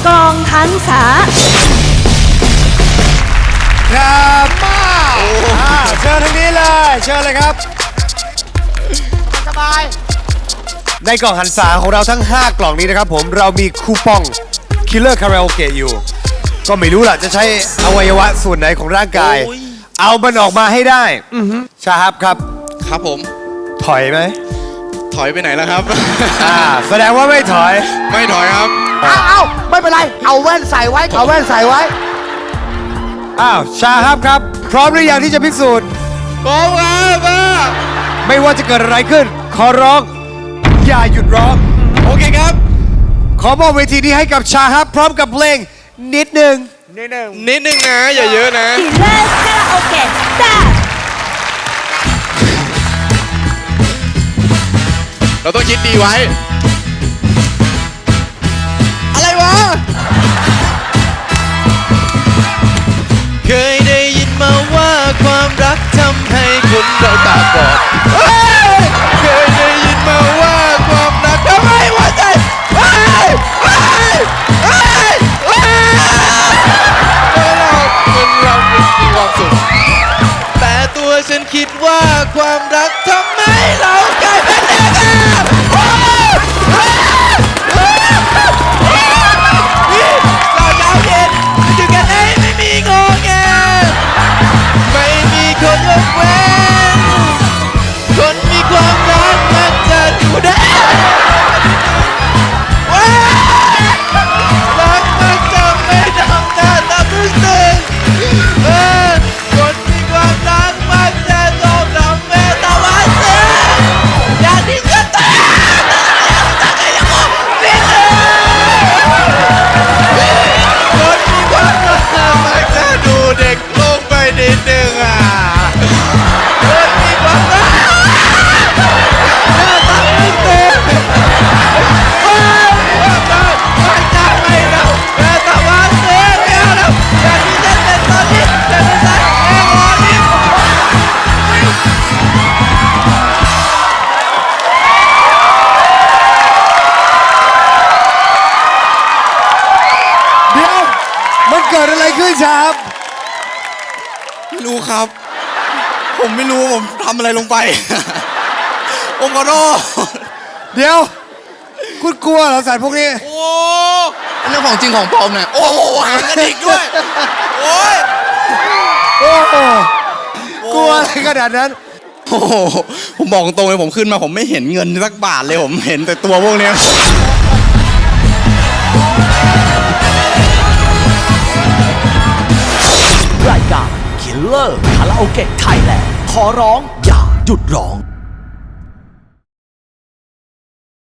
กองหันษาครับมาเชิญทางนี้เลยเชิญเลยครับสบายในกล่องหันษาของเราทั้ง5กล่องนี้นะครับผมเรามีคูปอง Killer Karaoke อยู่ก็ไม่รู้ล่ะจะใช้อวัยวะส่วนไหนของร่างกายเอามันออกมาให้ได้ชาฮับครับครับผมถอยไหมถอยไปไหนแล้วครับแสดงว่าไม่ถอยไม่ถอยครับเอาไม่เป็นไรเอาแว่นใส่ไว้เอาแว่นใส่ไว้ชาฮับครับพร้อมหรือยังที่จะพิสูจน์พร้อมครับไม่ว่าจะเกิดอะไรขึ้นขอร้องอย่าหยุดร้องโอเคครับขอมอบเวทีนี้ให้กับชาฮับพร้อมกับเพลงนิดหนึ่งนะอย่าเยอะนะ Killer Karaoke Start เราต้องคิดดีไว้อะไรวะเคยได้ยินมาว่าความรักทำให้คนเราตาบอดเคยได้ยินมาว่าความรักทำให้หัวใจเรามีความสุขแต่ตัวฉันคิดว่าความรักทำให้เรากลายเป็นเด็กเรายาวเย็นอยู่กันได้ไม่มีงอแงไม่มีคนยกเว้นคนมีความรักมันจะอยู่ได้รักมันจะไม่ทำหน้าตารู้สึกคนมีความรักมันจะต้องทำแม่ตาวันเสียอย่าทิ้งกันตายคนมีความรักมันจะดูเด็กลงไปนิดนึงคนมีความรักหน้าตาไม่เต็มมันจะไม่ทำแม่ตาวันเสียแล้วอย่าทิ้งกันเป็นตอนนี้จะไม่ใช่แค่วันนี้เดี๋ยวมันเกิดอะไรขึ้นชาฮับไม่รู้ครับ ผมไม่รู้ผมทำอะไรลงไปผมขอโทษเดี๋ยวคุณกลัวเหรอสารพวกนี้โอ้เรื่องของจริงของปลอมเนี่ยโอ้โหหางกระดิกด้วยโอ้ยโอ้โหกลัวอะไรขนาดนั้นโอ้โหผมบอกตรงเลยผมขึ้นมาผมไม่เห็นเงินสักบาทเลยผมเห็นแต่ตัวพวกเนี้ยรายการ Killer Karaoke Thailand ขอร้องอย่าหยุดร้อง